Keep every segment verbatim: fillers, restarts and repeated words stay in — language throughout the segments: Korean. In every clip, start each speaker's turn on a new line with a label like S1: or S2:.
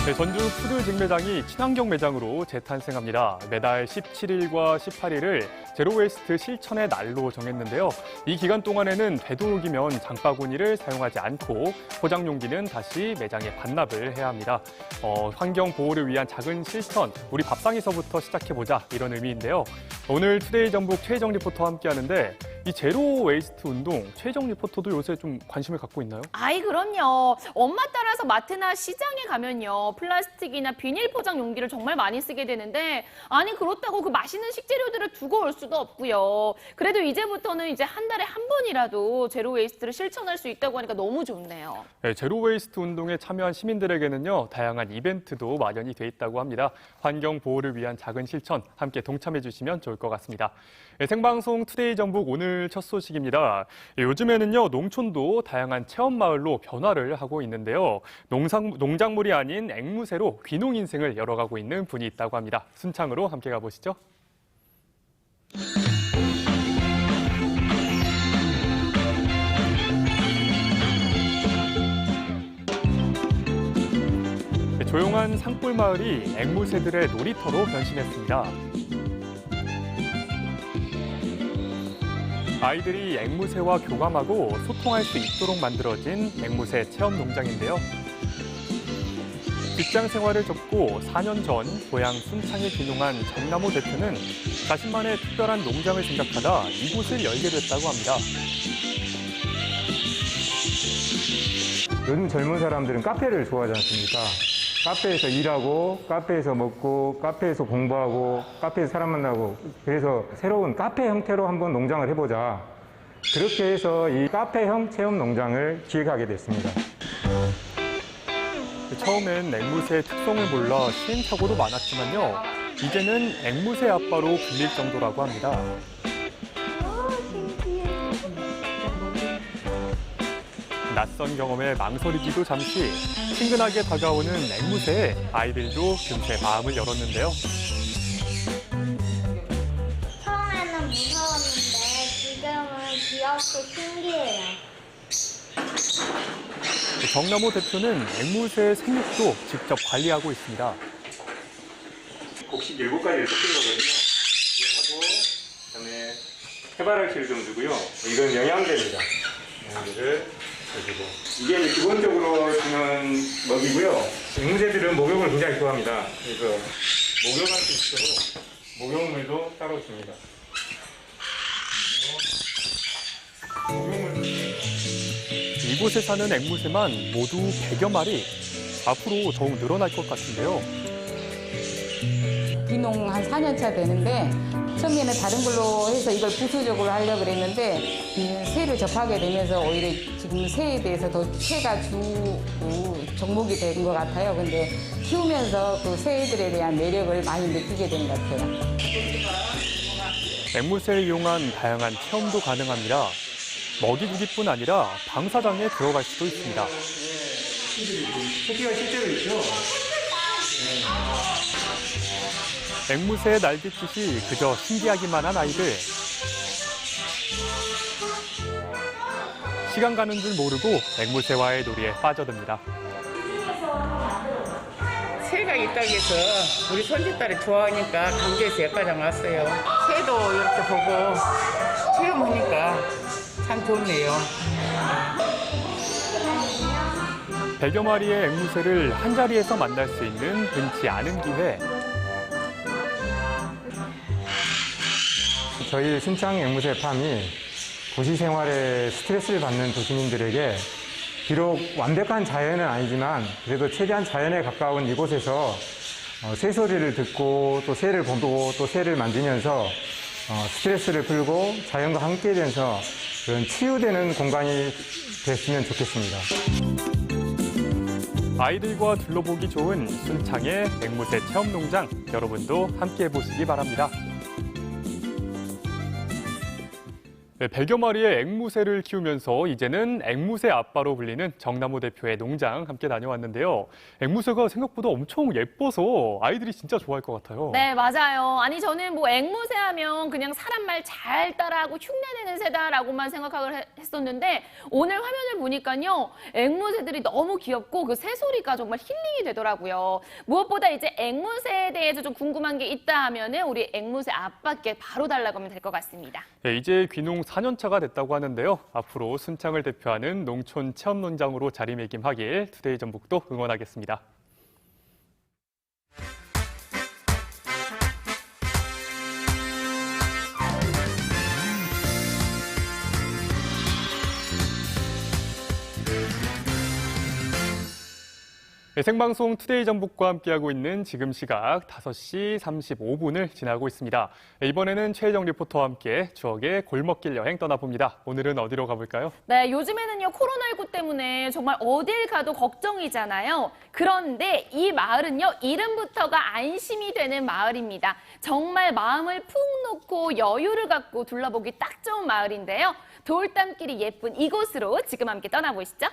S1: 네, 전주 푸드 직매장이 친환경 매장으로 재탄생합니다. 매달 십칠 일과 십팔 일을 제로웨이스트 실천의 날로 정했는데요. 이 기간 동안에는 되도록이면 장바구니를 사용하지 않고 포장 용기는 다시 매장에 반납을 해야 합니다. 어, 환경 보호를 위한 작은 실천, 우리 밥상에서부터 시작해보자 이런 의미인데요. 오늘 투데이 전북 최혜정 리포터와 함께하는데 이 제로웨이스트 운동, 최혜정 리포터도 요새 좀 관심을 갖고 있나요?
S2: 아이 그럼요. 엄마 따라서 마트나 시장에 가면요. 플라스틱이나 비닐 포장 용기를 정말 많이 쓰게 되는데 아니 그렇다고 그 맛있는 식재료들을 두고 올 수도 없고요. 그래도 이제부터는 이제 한 달에 한 번이라도 제로웨이스트를 실천할 수 있다고 하니까 너무 좋네요.
S1: 네, 제로웨이스트 운동에 참여한 시민들에게는요. 다양한 이벤트도 마련이 돼 있다고 합니다. 환경 보호를 위한 작은 실천 함께 동참해 주시면 좋을 것 같습니다. 네, 생방송 투데이 전북 오늘 첫 소식입니다. 네, 요즘에는요. 농촌도 다양한 체험마을로 변화를 하고 있는데요. 농상, 농작물이 아닌 앵무새로 귀농 인생을 열어가고 있는 분이 있다고 합니다. 순창으로 함께 가보시죠. 조용한 산골 마을이 앵무새들의 놀이터로 변신했습니다. 아이들이 앵무새와 교감하고 소통할 수 있도록 만들어진 앵무새 체험 농장인데요. 직장 생활을 접고 사 년 전 고향 순창에 귀농한 정남호 대표는 자신만의 특별한 농장을 생각하다 이곳을 열게 됐다고 합니다.
S3: 요즘 젊은 사람들은 카페를 좋아하지 않습니까? 카페에서 일하고, 카페에서 먹고, 카페에서 공부하고, 카페에서 사람 만나고, 그래서 새로운 카페 형태로 한번 농장을 해보자. 그렇게 해서 이 카페형 체험 농장을 기획하게 됐습니다.
S1: 처음엔 앵무새의 특성을 몰라 시행착오도 많았지만요. 이제는 앵무새 아빠로 불릴 정도라고 합니다. 낯선 경험에 망설이기도 잠시 친근하게 다가오는 앵무새에 아이들도 금세 마음을 열었는데요.
S4: 처음에는 무서웠는데 지금은 귀엽고 신기해요.
S1: 정남호 대표는 앵무새의 생육도 직접 관리하고 있습니다.
S3: 곡식 일곱 가지를 섞은 거거든요. 이거 하고, 그다음에 해바라기를 좀 주고요. 이건 영양제입니다. 영양제를 해주고. 이게 이제 기본적으로 주는 먹이고요. 앵무새들은 목욕을 굉장히 좋아합니다. 그래서 목욕할 수 있도록 목욕물도 따로 줍니다. 목욕물.
S1: 이곳에 사는 앵무새만 모두 백여 마리. 앞으로 더욱 늘어날 것 같은데요.
S5: 귀농 한 사 년 차 되는데 처음에는 다른 걸로 해서 이걸 부수적으로 하려고 그랬는데 이 새를 접하게 되면서 오히려 지금 새에 대해서 더 새가 주 종목이 된 것 같아요. 근데 키우면서 그 새들에 대한 매력을 많이 느끼게 된 것 같아요.
S1: 앵무새를 이용한 다양한 체험도 가능합니다. 먹이주기뿐 아니라 방사장에 들어갈 수도 있습니다.
S3: 새끼가 실제로 있죠?
S1: 앵무새의 날갯짓이 그저 신기하기만 한 아이들. 시간 가는 줄 모르고 앵무새와의 놀이에 빠져듭니다.
S6: 새가 있다고 해서 우리 손짓딸이 좋아하니까 강주에서 여기까지 왔어요. 새도 이렇게 보고 체험하니까 참 좋네요.
S1: 백여 마리의 앵무새를 한자리에서 만날 수 있는 흔치 않은 기회.
S3: 저희 순창 앵무새 팜이 도시 생활에 스트레스를 받는 도시민들에게 비록 완벽한 자연은 아니지만 그래도 최대한 자연에 가까운 이곳에서 새소리를 듣고 또 새를 보고 또 새를 만지면서 스트레스를 풀고 자연과 함께 되면서 그런 치유되는 공간이 됐으면 좋겠습니다.
S1: 아이들과 둘러보기 좋은 순창의 앵무새 체험농장, 여러분도 함께 해보시기 바랍니다. 네, 백여 마리의 앵무새를 키우면서 이제는 앵무새 아빠로 불리는 정남호 대표의 농장 함께 다녀왔는데요. 앵무새가 생각보다 엄청 예뻐서 아이들이 진짜 좋아할 것 같아요.
S2: 네, 맞아요. 아니, 저는 뭐 앵무새 하면 그냥 사람 말 잘 따라하고 흉내내는 새다라고만 생각을 해- 했었는데 오늘 화면을 보니까요. 앵무새들이 너무 귀엽고 그 새소리가 정말 힐링이 되더라고요. 무엇보다 이제 앵무새에 대해서 좀 궁금한 게 있다 하면은 우리 앵무새 아빠께 바로 달라고 하면 될 것 같습니다.
S1: 네, 이제 귀농 사 년 차가 됐다고 하는데요. 앞으로 순창을 대표하는 농촌 체험농장으로 자리매김하길 투데이 전북도 응원하겠습니다. 네, 생방송 투데이 전북과 함께하고 있는 지금 시각 다섯 시 삼십오 분을 지나고 있습니다. 네, 이번에는 최혜정 리포터와 함께 추억의 골목길 여행 떠나봅니다. 오늘은 어디로 가볼까요?
S2: 네, 요즘에는요, 코로나십구 때문에 정말 어딜 가도 걱정이잖아요. 그런데 이 마을은요, 이름부터가 안심이 되는 마을입니다. 정말 마음을 푹 놓고 여유를 갖고 둘러보기 딱 좋은 마을인데요. 돌담길이 예쁜 이곳으로 지금 함께 떠나보시죠.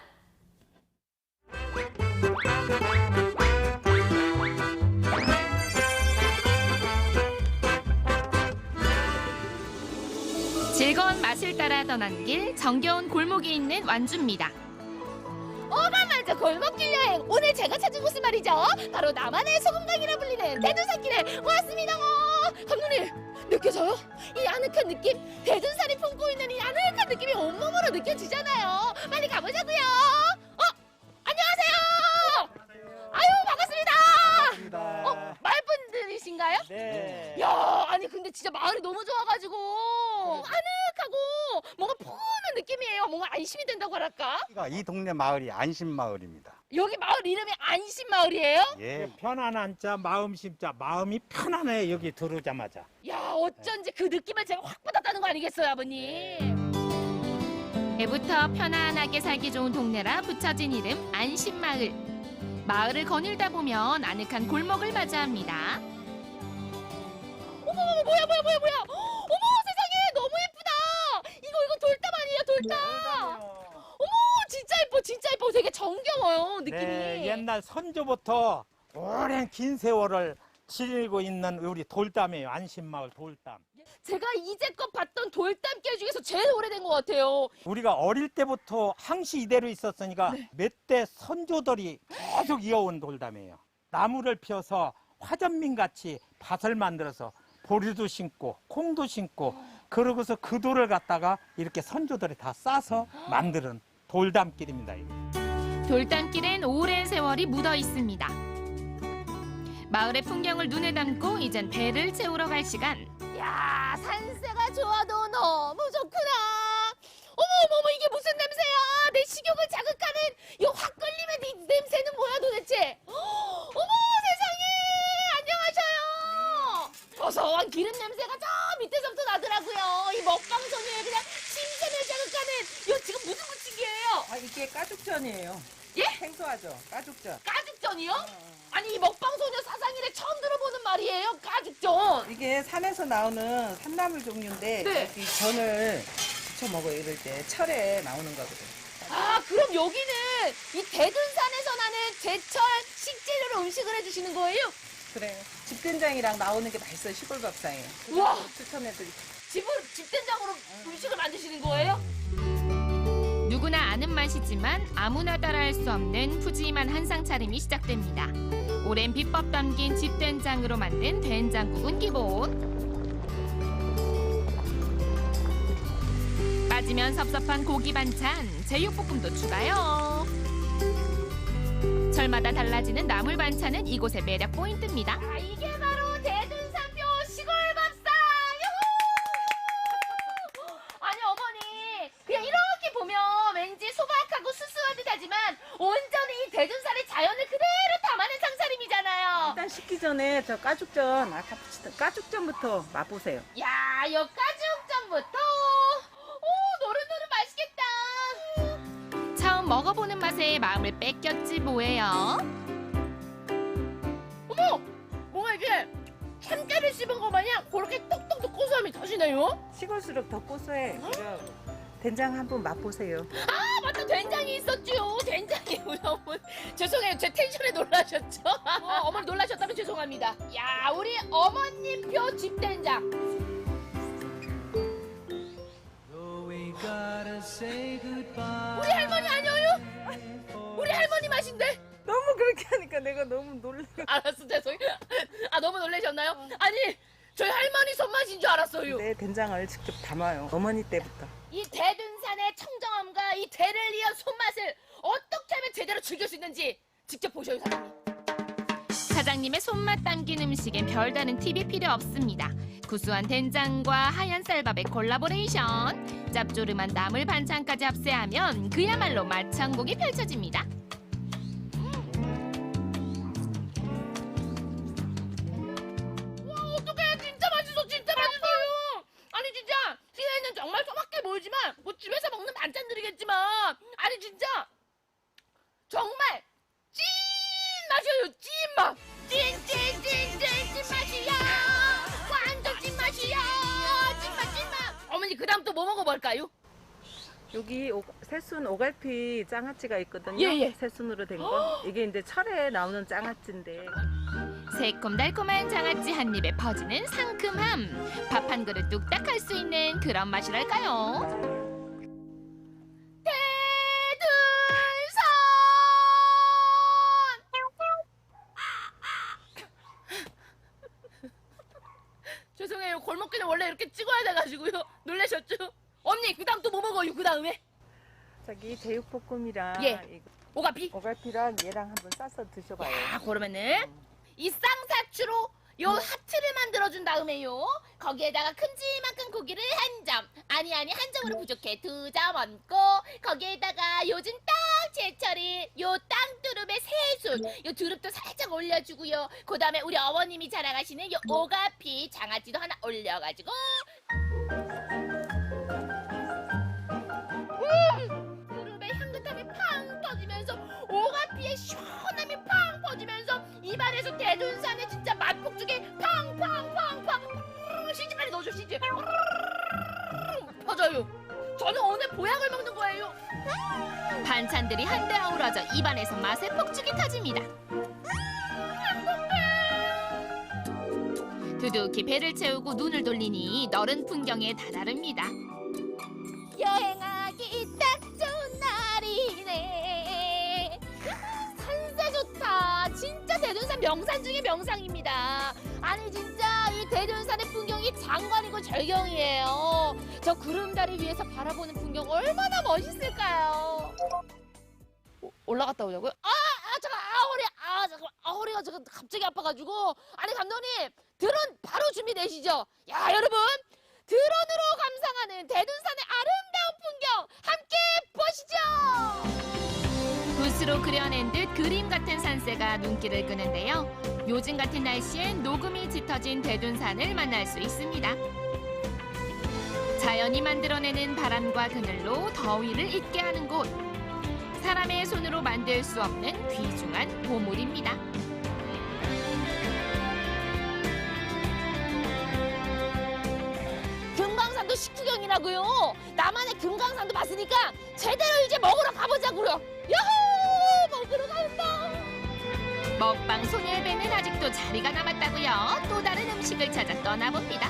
S2: 즐거운 맛을 따라 떠난 길, 정겨운 골목이 있는 완주입니다.
S7: 오가마자 골목길 여행, 오늘 제가 찾은 곳은 말이죠, 바로 나만의 소금강이라 불리는 대둔산길에 왔습니다. 감독님, 느껴져요? 이 아늑한 느낌? 대둔산이 품고 있는 이 아늑한 느낌이 온몸으로 느껴지잖아요. 빨리 가보자고요. 어? 안녕하세요. 아유, 반갑습니다. 어? 마을분들이신가요?
S8: 네.
S7: 야, 아니 근데 진짜 마을이 너무 좋아가지고 아늑하고 뭔가 푸근한 느낌이에요. 뭔가 안심이 된다고 할까?
S8: 이 동네 마을이 안심마을입니다.
S7: 여기 마을 이름이 안심마을이에요?
S8: 예.
S9: 편안한 자, 마음 심자, 마음이 편안해 여기 들어오자마자.
S7: 야, 어쩐지 그 느낌을 제가 확 받았다는 거 아니겠어요, 아버님?
S2: 애부터 편안하게 살기 좋은 동네라 붙여진 이름 안심마을. 마을을 거닐다 보면 아늑한 골목을 맞이합니다.
S7: 어머, 어머, 뭐야, 뭐야, 뭐야, 뭐야? 어머, 세상에, 너무 예쁘다. 이거, 이거 돌담 아니에요, 돌담? 어머, 진짜 예뻐, 진짜 예뻐. 되게 정겨워요, 느낌이.
S9: 네, 옛날 선조부터 오랜 긴 세월을 지니고 있는 우리 돌담이에요. 안심마을 돌담.
S7: 제가 이제껏 봤던 돌담길 중에서 제일 오래된 것 같아요.
S9: 우리가 어릴 때부터 항시 이대로 있었으니까 몇 대 선조들이 계속 이어온 돌담이에요. 나무를 펴서 화전민 같이 밭을 만들어서 보리도 심고 콩도 심고 그러고서 그 돌을 갖다가 이렇게 선조들이 다 싸서 만드는 돌담길입니다. 이게.
S2: 돌담길엔 오랜 세월이 묻어 있습니다. 마을의 풍경을 눈에 담고 이젠 배를 채우러 갈 시간.
S7: 야, 산세가 좋아도 너무 좋구나. 어머, 어머, 어머, 이게 무슨 냄새야? 내 식욕을 자극하는 이 확 끌림의 이 냄새는 뭐야 도대체? 어머, 세상에, 안녕하셔요. 고소한 기름 냄새가 저 밑에서부터 나더라고요. 이 먹방 소녀의 그냥 심장을 자극하는 이거 지금 무슨 부침개예요?
S10: 아, 이게 가죽전이에요.
S7: 예?
S10: 생소하죠? 가죽전.
S7: 가죽전이요? 아니, 이 먹방 소녀 사상일에 처음 들어보는 말이에요, 가죽전.
S10: 이게 산에서 나오는 산나물 종류인데
S7: 네.
S10: 이 전을 부쳐 먹어요. 이럴 때 철에 나오는 거거든요.
S7: 아, 그럼 여기는 이 대둔산에서 나는 제철 식재료로 음식을 해주시는 거예요?
S10: 그래요. 집된장이랑 나오는 게 맛있어요. 시골밥상에.
S7: 우와.
S10: 추천해드릴게요.
S7: 집을 집된장으로 음식을 만드시는 거예요?
S2: 누구나 아는 맛이지만 아무나 따라할 수 없는 푸짐한 한상 차림이 시작됩니다. 오랜 비법 담긴 집된장으로 만든 된장국은 기본. 빠지면 섭섭한 고기 반찬, 제육볶음도 추가요. 절마다 달라지는 나물 반찬은 이곳의 매력 포인트입니다.
S7: 아, 이게 바로 대둔산표 시골밥상! 유후! 아니, 어머니, 그냥 이렇게 보면 왠지 소박하고 수수한 듯하지만 온전히 이 대둔산의 자연을 그대로 담아낸 상차림이잖아요.
S10: 일단 식기 전에 저 가죽전, 아까 붙이던 가죽전부터 맛보세요.
S7: 야, 요 가죽전부터. 오, 노릇노릇 맛있겠다.
S2: 처음 먹어보는 맛에 마음을 뺏겼지 뭐예요.
S7: 어머! 뭔가 이게 참깨를 씹은 거 마냥 그렇게 똑똑똑 고소함이 다시
S2: 맛이네요.
S10: 식을수록 더 고소해. 이거 된장 한번 맛보세요.
S7: 아 맞다 된장이 있었죠. 된장이 우리 어머니 죄송해요. 제 텐션에 놀라셨죠? 어, 어머니 놀라셨다면 죄송합니다. 야 우리 어머님표 집된장. 우리 할머니 아니에요? 우리 할머니 맛인데?
S10: 너무 그렇게 하니까 내가 너무 놀래.
S7: 알았어 죄송해요. 아 너무 놀라셨나요? 아니 저희 할머니 손맛인 줄 알았어요.
S10: 내 된장을 직접 담아요. 어머니 때부터.
S7: 이 대둔산의 청정함과 이 대를 이은 손맛을 어떻게 하면 제대로 즐길 수 있는지 직접 보셔요 사장님.
S2: 사장님의 손맛 담긴 음식엔 별다른 팁이 필요 없습니다. 구수한 된장과 하얀 쌀밥의 콜라보레이션, 짭조름한 나물 반찬까지 합세하면 그야말로 맛창곡이 펼쳐집니다.
S7: 어떡해 진짜 맛있어 진짜 맛있어요. 아니 진짜 시내에는 정말 소박해 보이지만 뭐 집에서 먹는 반찬들이겠지만 아니 진짜 정말 찐 맛이에요 찐맛 찐찐찐찐 찐맛이야 완전 찐맛이야 찐맛 찐맛. 어머니 그 다음 또 뭐 먹어볼까요?
S10: 여기 오, 새순 오갈피 장아찌가 있거든요.
S7: 예, 예.
S10: 새순으로 된 거. 이게 이제 철에 나오는 장아찌인데.
S2: 새콤달콤한 장아찌 한 입에 퍼지는 상큼함. 밥 한 그릇 뚝딱 할 수 있는 그런 맛이랄까요.
S7: 대둔산. 죄송해요. 골목길은 원래 이렇게 찍어야 돼가지고요. 놀라셨죠? 언니 그 다음 또 뭐 먹어요 그 다음에?
S10: 저기 제육볶음이랑
S7: 예.
S10: 이거
S7: 오가피?
S10: 오갈피랑 얘랑 한번 싸서 드셔봐요.
S7: 아 그러면은 이 쌍사추로 요 하트를 만들어준 다음에요 거기에다가 큼지막한 고기를 한 점 아니 아니 한 점으로 부족해 두 점 얹고 거기에다가 요즘 딱 제철인 요 땅두릅의 새순 요 두릅도 살짝 올려주고요 그 다음에 우리 어머님이 자랑하시는 요 오가피 장아찌도 하나 올려가지고 음! 두릅의 향긋함이 팡 터지면서 오가피의 시원함이 팡 퍼지면서 입안에서 대둔산의 진짜 맛폭죽이 팡팡팡팡 시지 빨리 넣어줘 시지 퍼져요. 저는 오늘 보약을 먹는 거예요.
S2: 반찬들이 한데 어우러져 입안에서 맛의 폭죽이 터집니다. 두둑히 배를 채우고 눈을 돌리니 너른 풍경에 다다릅니다.
S7: 여행하기 딱 좋은 날이네. 산세 좋다. 진짜 대둔산 명산 중에 명상입니다. 아니 진짜 이 대둔산의 풍경이 장관이고 절경이에요. 저 구름다리 위에서 바라보는 풍경 얼마나 멋있을까요? 오, 올라갔다 오자고요? 아, 아 잠깐 아 허리 아 잠깐 아 허리가 지금 갑자기 아파가지고 아니 감독님 드론 바로 준비되시죠? 야 여러분 드론으로 감상하는 대둔산의 아름다운 풍경 함께 보시죠.
S2: 붓으로 그려낸 듯 그림 같은 산세가 눈길을 끄는데요. 요즘 같은 날씨엔 녹음이 짙어진 대둔산을 만날 수 있습니다. 자연이 만들어내는 바람과 그늘로 더위를 잊게 하는 곳. 사람의 손으로 만들 수 없는 귀중한 보물입니다.
S7: 금강산도 식후경이라고요. 나만의 금강산도 봤으니까 제대로 이제 먹으러 가보자고요. 야호! 먹으러 간다.
S2: 먹방 소녀의 배는 아직도 자리가 남았다고요. 또 다른 음식을 찾아 떠나봅니다.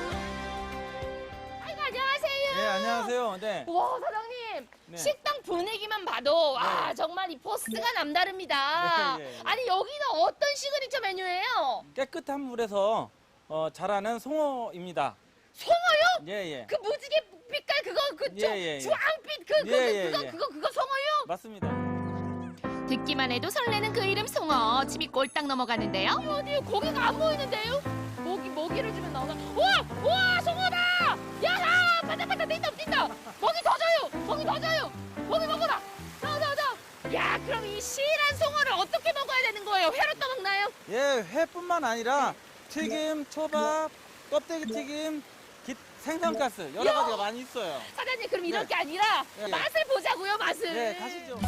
S7: 아이고 안녕하세요.
S11: 네, 안녕하세요. 네.
S7: 와 사장님
S11: 네.
S7: 식당 분위기만 봐도 와
S11: 네.
S7: 정말 이 포스가 남다릅니다.
S11: 네, 예, 예.
S7: 아니 여기는 어떤 시그니처 메뉴예요?
S11: 깨끗한 물에서 어, 자라는 송어입니다.
S7: 송어요?
S11: 예, 예.
S7: 그 무지개 빛깔 그거 그쪽
S11: 예, 예, 예.
S7: 주황빛 그, 그,
S11: 예,
S7: 그
S11: 예,
S7: 그거
S11: 예.
S7: 그거 그거 송어요?
S11: 맞습니다.
S2: 듣기만 해도 설레는 그 이름 송어. 침이 꼴딱 넘어가는데요.
S7: 어디 고기가 안 보이는데요? 먹이 먹이를 주면 나오나? 우와 우와 송어다! 야하 바다바다 뛴다 뛴다! 먹이 더 줘요! 먹이 더 줘요! 먹이 먹어라! 자자자! 야 그럼 이 실한 송어를 어떻게 먹어야 되는 거예요? 회로 떠먹나요?
S11: 예, 회뿐만 아니라 튀김, 초밥, 껍데기 튀김, 기- 생선가스 여러
S7: 야!
S11: 가지가 많이 있어요.
S7: 사장님 그럼 이럴
S11: 네.
S7: 게 아니라
S11: 예.
S7: 맛을 보자고요 맛을.
S11: 네, 가시죠.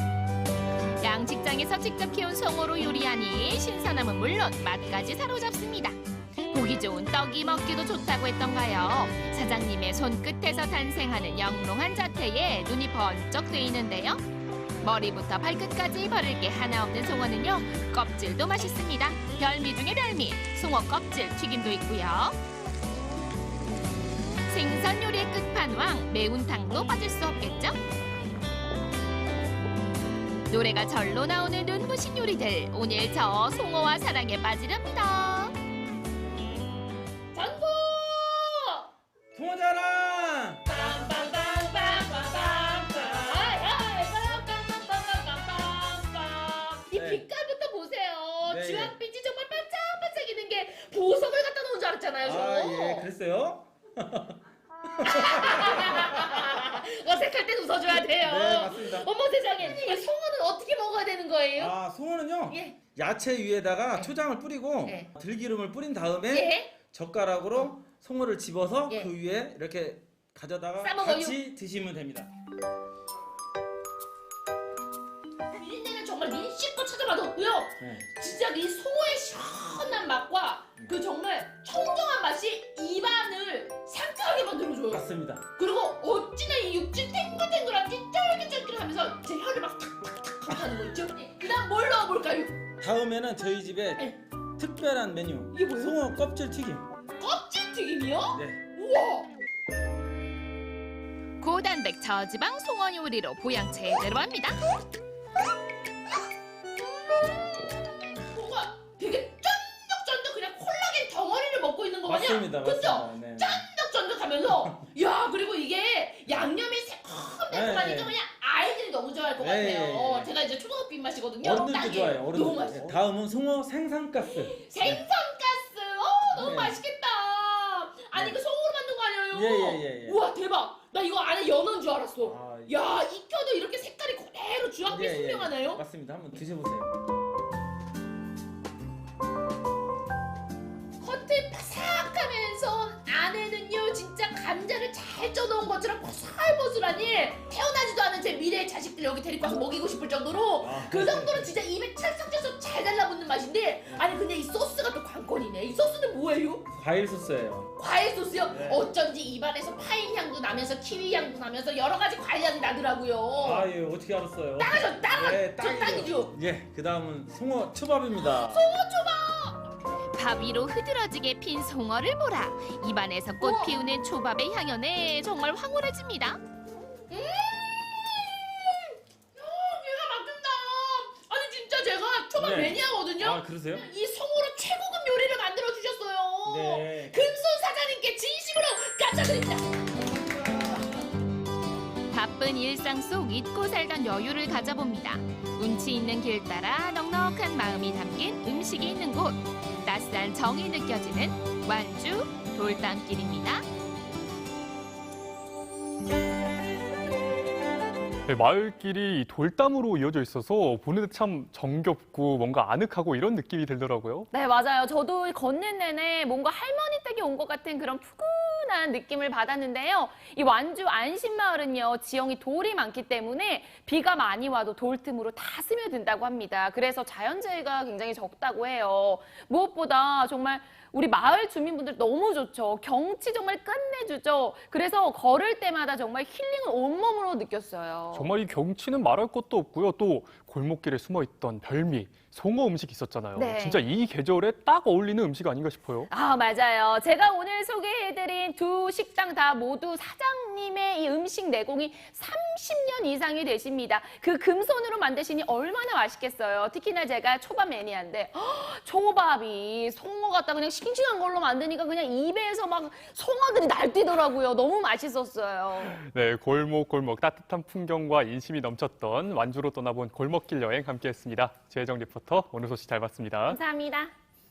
S2: 양식장에서 직접 키운 송어로 요리하니 신선함은 물론 맛까지 사로잡습니다.
S7: 보기 좋은 떡이 먹기도 좋다고 했던가요. 사장님의 손끝에서 탄생하는 영롱한 자태에 눈이 번쩍 뜨이는데요. 머리부터 발끝까지 버릴 게 하나 없는 송어는요, 껍질도 맛있습니다. 별미 중에 별미, 송어 껍질 튀김도 있고요. 생선 요리의 끝판왕, 매운탕도 빠질 수 없겠죠? 노래가 절로 나오는 눈부신 요리들, 오늘 저 송어와 사랑에 빠지렵니다.
S2: 전부!
S11: 송어자랑!
S7: 이
S11: 네.
S7: 빛깔부터 보세요.
S11: 네,
S7: 주황빛이 정말 반짝반짝이는 게 보석을 갖다 놓은 줄 알았잖아요. 저.
S11: 아, 예, 그랬어요?
S7: 어색할 땐 웃어줘야 돼요.
S11: 네, 맞습니다.
S7: 어머 세상에. 이 송어는 어떻게 먹어야 되는 거예요?
S11: 아, 송어는요,
S7: 예.
S11: 야채 위에다가 초장을 뿌리고
S7: 네.
S11: 들기름을 뿌린 다음에
S7: 예.
S11: 젓가락으로 송어를 집어서
S7: 예.
S11: 그 위에 이렇게 가져다가
S7: 싸먹어요.
S11: 같이 드시면 됩니다.
S7: 비린내는 정말 민씨껏 찾아봐도 없고요.
S11: 네.
S7: 진짜 이 송어의 시원한 맛과 그 정말 청정한 맛이 입안을 상쾌하게 만들어줘요.
S11: 맞습니다.
S7: 그리고 어찌나 이 육즙 탱글탱글한지 쫄깃쫄깃하면서 제 혀를 막 탁탁탁 하는 거 있죠? 그 다음 뭘 넣어볼까요?
S11: 다음에는 저희 집에
S7: 네.
S11: 특별한 메뉴,
S7: 이게 뭐예요?
S11: 송어 껍질 튀김.
S7: 껍질 튀김이요?
S11: 네.
S7: 우와! 고단백 저지방 송어 요리로 보양 제대로 합니다. 뭔가 되게 쫀득쫀득 그냥 콜라겐 덩어리를 먹고 있는 거 마냥.
S11: 맞습니다.
S7: 그죠?
S11: 맞습니다. 네.
S7: 쫀득쫀득하면서 야 그리고 이게 양념이 새콤달콤하니까
S11: 네.
S7: 그냥 아이들이 너무 좋아할 것
S11: 네,
S7: 같아요.
S11: 네, 네.
S7: 제가 이제 초등학교 입맛이거든요.
S11: 어른들도
S7: 딱이에요.
S11: 좋아해요.
S7: 너무
S11: 어른들.
S7: 맛있어.
S11: 다음은 송어 생선가스.
S7: 생선가스. 어 너무
S11: 네.
S7: 맛있겠다. 아니 그 송어로 만든 거 아니에요?
S11: 예, 예, 예, 예.
S7: 우와 대박. 나 이거 안에 연어인 줄 알았어.
S11: 아,
S7: 야 익혀도 이렇게 색깔이 그대로 주황빛
S11: 예, 예, 예.
S7: 선명하네요.
S11: 맞습니다. 한번 드셔보세요.
S7: 겉에 바삭하면서 안에는요 진짜 감자를 잘 쪄놓은 것처럼 보슬보슬하니 태어나지도 않은 제 미래의 자식들 여기 데리고 와서 먹이고 싶을 정도로
S11: 아,
S7: 그 정도로 진짜 입에 찰싹찰싹 잘 달라붙는 맛인데 아니 근데 이 소스가 또 관건이네. 이 소스는 뭐예요?
S11: 과일 소스예요.
S7: 과일 소스요?
S11: 네.
S7: 어쩐지 입안에서 파인 향도 나면서 키위 향도 나면서 여러 가지 과일 향이 나더라고요.
S11: 아, 예, 어떻게 알았어요?
S7: 딱이죠, 딱!
S11: 예,
S7: 저
S11: 딱이죠.
S7: 딱이죠.
S11: 예, 그 다음은 송어 초밥입니다.
S7: 밥 위로 흐드러지게 핀 송어를 보라. 입안에서 꽃
S2: 우와.
S7: 피우는 초밥의 향연에 정말 황홀해집니다. 음! 어, 기가 막힌다. 아니 진짜 제가 초밥
S11: 네.
S7: 매니아거든요.
S11: 아, 그러세요?
S7: 이 송어로 최고급 요리를 만들어 주셨어요.
S11: 네.
S7: 금손 사장님께 진심으로 감사드립니다. 바쁜 일상 속 잊고 살던 여유를 가져봅니다. 운치 있는 길 따라 넉넉한 마음이 담긴 음식이 있는 곳. 낯선 정이 느껴지는 완주 돌담길입니다.
S1: 네, 마을길이 돌담으로 이어져 있어서 보는데 참 정겹고 뭔가 아늑하고 이런 느낌이 들더라고요.
S2: 네, 맞아요. 저도 걷는 내내 뭔가 할머니 댁에 온 것 같은 그런 푸근한 느낌을 받았는데요. 이 완주 안심마을은요, 지형이 돌이 많기 때문에 비가 많이 와도 돌 틈으로 다 스며든다고 합니다. 그래서 자연재해가 굉장히 적다고 해요. 무엇보다 정말 우리 마을 주민분들 너무 좋죠. 경치 정말 끝내주죠. 그래서 걸을 때마다 정말 힐링을 온몸으로 느꼈어요.
S1: 정말 이 경치는 말할 것도 없고요. 또 골목길에 숨어있던 별미, 송어 음식 있었잖아요.
S2: 네.
S1: 진짜 이 계절에 딱 어울리는 음식 아닌가 싶어요.
S2: 아, 맞아요. 제가 오늘 소개해드린 두 식당 다 모두 사장님의 이 음식 내공이 삼십 년 이상이 되십니다. 그 금손으로 만드시니 얼마나 맛있겠어요. 특히나 제가 초밥 매니아인데 허, 초밥이 송어 갖다 그냥 싱싱한 걸로 만드니까 그냥 입에서 막 송어들이 날뛰더라고요. 너무 맛있었어요.
S1: 네, 골목골목 따뜻한 풍경과 인심이 넘쳤던 완주로 떠나본 골목길 여행 함께했습니다. 최혜정 리포터, 오늘 소식 잘 봤습니다.
S2: 감사합니다.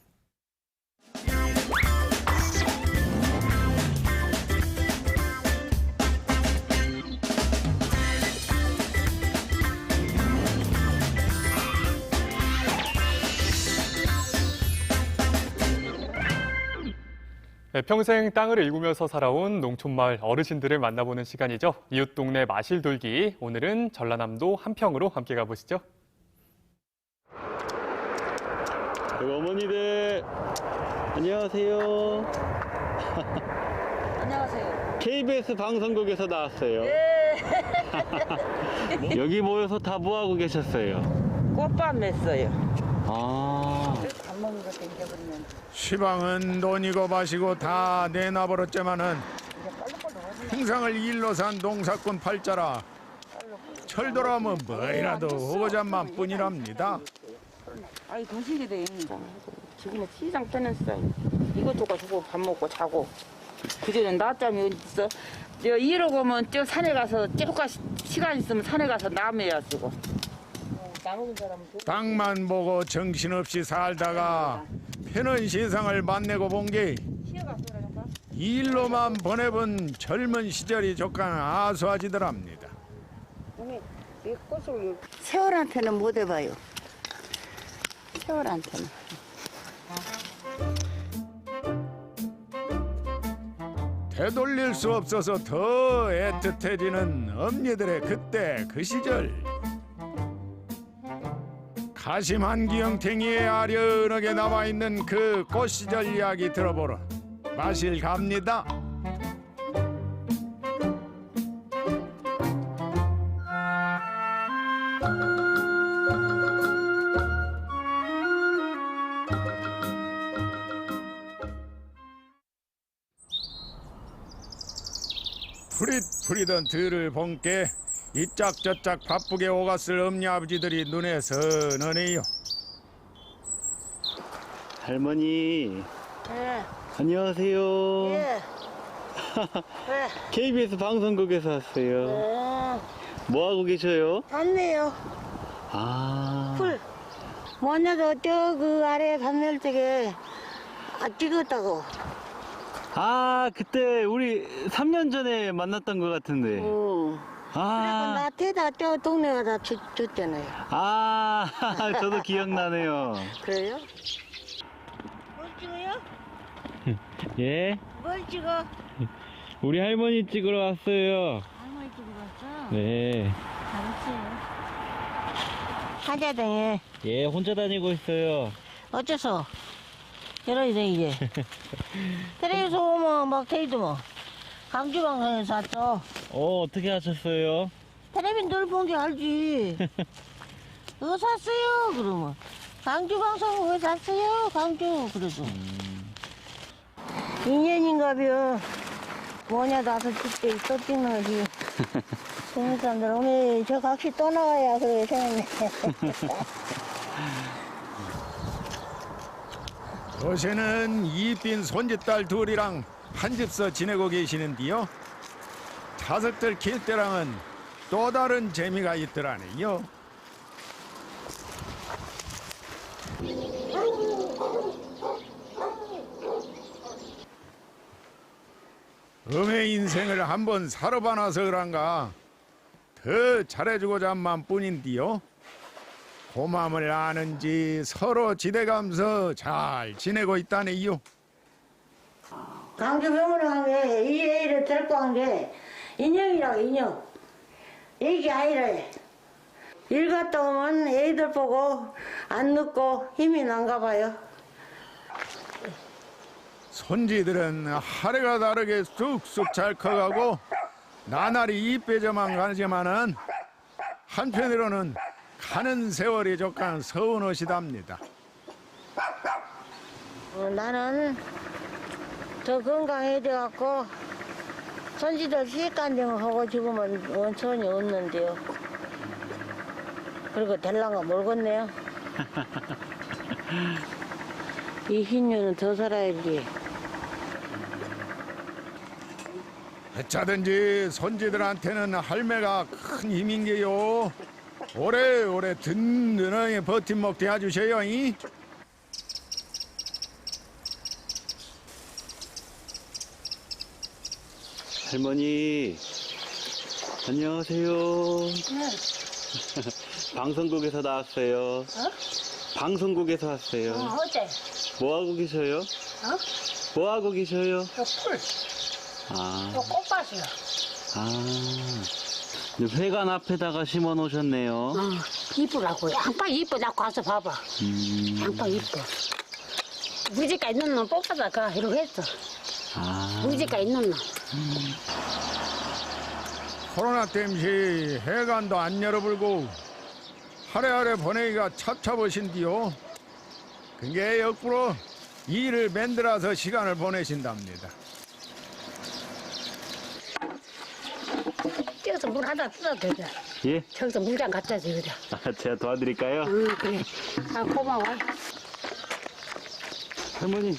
S1: 네, 평생 땅을 일구면서 살아온 농촌마을 어르신들을 만나보는 시간이죠. 이웃 동네 마실 돌기, 오늘은 전라남도 한평으로 함께 가보시죠.
S12: 여기 어머니들 안녕하세요.
S10: 안녕하세요.
S12: 케이비에스 방송국에서 나왔어요.
S10: 예.
S12: 여기 모여서 다 뭐하고 계셨어요?
S10: 꽃밥 맸어요.
S12: 아.
S10: 밥 먹는 거 땡겨버리면.
S13: 시방은 돈이고 마시고 다 내놔버렸지만은 평상을 일로 산 농사꾼 팔자라 철도라면 뭐이라도 오고잔만 뿐이랍니다.
S10: 아이 도시게 돼. 지금은 시장 떠났어. 이것저것 주고 밥 먹고 자고. 그전엔 낮잠이 어디 있어? 저 이러고 오면 저 산에 가서 조금 시간 있으면 산에 가서 나무야 쓰고. 나무는 사람은
S13: 땅만 보고 정신없이 살다가 편한 세상을 만나고 본 게 일로만 보내본 젊은 시절이 조금 아수아지더랍니다.
S14: 세월한테는 못 해봐요. 세월한테는.
S13: 되돌릴 수 없어서 더 애틋해지는 엄니들의 그때 그 시절. 가심 한기영탱이에 아련하게 남아있는 그 꽃시절 이야기 들어보러 마실 갑니다. 푸릿푸릿한 들을 본께 이짝저짝 바쁘게 오갔을 엄니 아버지들이 눈에 선하네요.
S12: 할머니.
S14: 예.
S12: 안녕하세요.
S14: 예. 왜?
S12: 케이비에스 방송국에서 왔어요.
S14: 예.
S12: 뭐 하고 계셔요?
S14: 봤네요.
S12: 아.
S14: 풀. 뭐냐도 저 그 아래 밤멸 쪽에 아, 찍었다고.
S12: 아, 그때 우리 삼 년 전에 만났던 것 같은데.
S14: 응.
S12: 아.
S14: 나 태다 저 동네가 다 줬, 줬잖아요.
S12: 아, 저도 기억나네요.
S14: 그래요? 뭘 찍어요?
S12: 예?
S14: 뭘 찍어?
S12: 우리 할머니 찍으러 왔어요.
S14: 할머니 찍으러 왔어?
S12: 네.
S14: 잘했어요. 한자등에
S12: 예, 혼자 다니고 있어요.
S14: 어째서? 이러이래 이제. 텔레비전 오면 막 테이도 뭐. 강주방송에서 왔죠.
S12: 어, 어떻게 하셨어요?
S14: 텔레비전 늘 본 게 알지. 어 샀어요 그러면. 강주방송 왜 샀어요? 강주 그래도.
S12: 음.
S14: 인연인가벼. 뭐냐 나서 찍대 또 찍는 거지. 젊은 사람들 오늘 저 각시 또 나와야 그래 생각네.
S13: 요새는 이빈 손짓딸 둘이랑 한 집서 지내고 계시는데요. 자석들 킬 때랑은 또 다른 재미가 있더라네요. 음의 인생을 한번 살아봐놔서 그런가 더 잘해주고자만 뿐인데요. 고마움을 아는지 서로 지대감서 잘 지내고 있다네요.
S14: 강주 병원에 간 게 이 애를 데리고 간 게 인형이라고 인형. 애기 아이래. 일 갔다 오면 애들 보고 안 눕고 힘이 난가 봐요.
S13: 손지들은 하루가 다르게 쑥쑥 잘 커가고 나날이 이빼져만 가지만은 한편으로는 가는 세월이 조금 서운하시답니다.
S14: 어, 나는 더 건강해야 돼갖고 손지들 시간대만 하고 지금은 원천이 없는데요. 그리고 될랑가 멀겠네요. 이 흰년은 더 살아야지.
S13: 어쩌든지 손지들한테는 할매가 큰 힘인 게요. 오래오래 든든하게 버팀목 대해주세요. 이?
S12: 할머니, 안녕하세요.
S14: 네.
S12: 방송국에서 나왔어요.
S14: 어?
S12: 방송국에서 왔어요.
S14: 어, 어째?
S12: 뭐 하고 계셔요?
S14: 어?
S12: 뭐 하고 계셔요?
S14: 저 풀,
S12: 아,
S14: 저 꽃밭이요.
S12: 아, 회관 앞에다가 심어 놓으셨네요.
S14: 어, 이쁘라고. 양파 이쁘다고 가서 봐봐.
S12: 음.
S15: 장판 이뻐. 우리 집가 있는 놈 뽑아다 가 이러고 했어.
S12: 아.
S15: 우리 집가 있는 놈.
S13: 코로나 땜시 해관도 안 열어불고 하래하래 보내기가 찹찹하신디요. 그게 역부로 일을 만들어서 시간을 보내신답니다.
S15: 뛰어서 물 하나 뜯어도 되죠.
S12: 예?
S15: 저기서 물장 갖다 줘 그래.
S12: 아, 제가 도와드릴까요?
S15: 응 그래. 아 고마워.
S12: 할머니.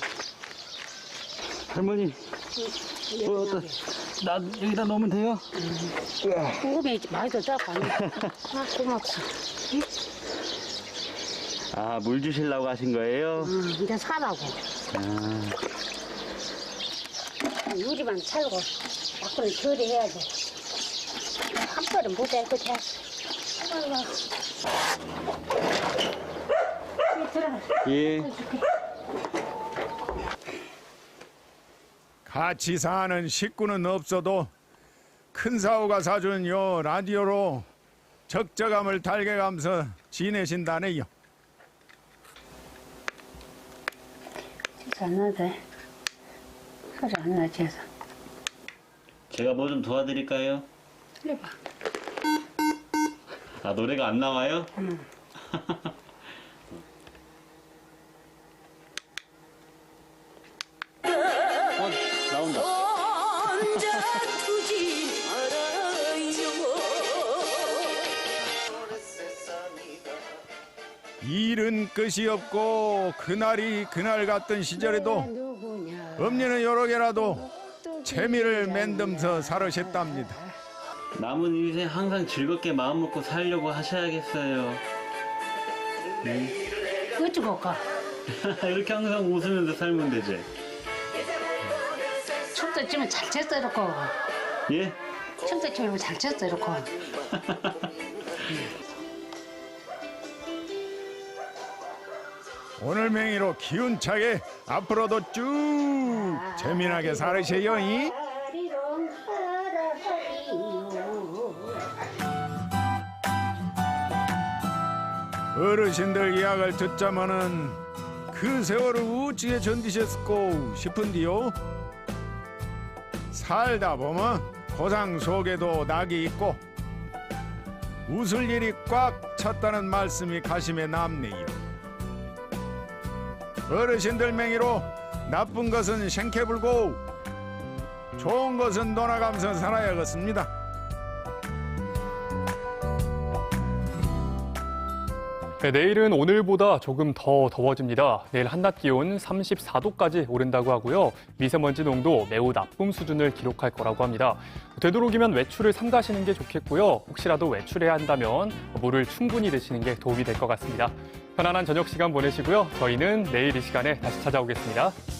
S12: 할머니. 어, 어떤, 나 여기다 넣으면 돼요?
S15: 궁금해 많이 더 잡아. 아 고맙소.
S12: 아, 물 주시려고 하신 거예요?
S15: 응 이제 사라고.
S12: 아.
S15: 유리만 살고 밖으로 처리해야 돼. 한 번은 못해 그치?
S12: 예.
S13: 같이 사는 식구는 없어도 큰 사오가 사준 요 라디오로 적적함을 달래가면서 지내신다네요.
S15: 진짜 안 나대. 소리 안 나지 해서.
S12: 제가 뭐 좀 도와드릴까요?
S15: 해봐.
S12: 아, 노래가 안 나와요?
S15: 응.
S12: 어, 나온다.
S13: 일은 끝이 없고 그날이 그날 같던 시절에도 엄니는 여러 개라도 재미를 만들면서 살으셨답니다.
S12: 남은 인생 항상 즐겁게 마음 먹고 살려고 하셔야겠어요. 네.
S15: 어쩌고 가?
S12: 이렇게 항상 웃으면서 살면 되지.
S15: 춤도 추면 잘 췄어 이렇게.
S12: 예?
S15: 춤도 추면 잘 췄어 이렇게.
S13: 오늘 맹이로 기운차게 앞으로도 쭉 재미나게 살으세요. 이? 어르신들 이야기를 듣자마는 그 세월을 우찌게 견디셨고 싶은디요. 살다 보면 고상 속에도 낙이 있고 웃을 일이 꽉 찼다는 말씀이 가심에 남네요. 어르신들 맹이로 나쁜 것은 생캐불고 좋은 것은 놀아가면서 살아야겠습니다.
S1: 네, 내일은 오늘보다 조금 더 더워집니다. 내일 한낮 기온 삼십사 도까지 오른다고 하고요. 미세먼지 농도 매우 나쁨 수준을 기록할 거라고 합니다. 되도록이면 외출을 삼가시는 게 좋겠고요. 혹시라도 외출해야 한다면 물을 충분히 드시는 게 도움이 될 것 같습니다. 편안한 저녁 시간 보내시고요. 저희는 내일 이 시간에 다시 찾아오겠습니다.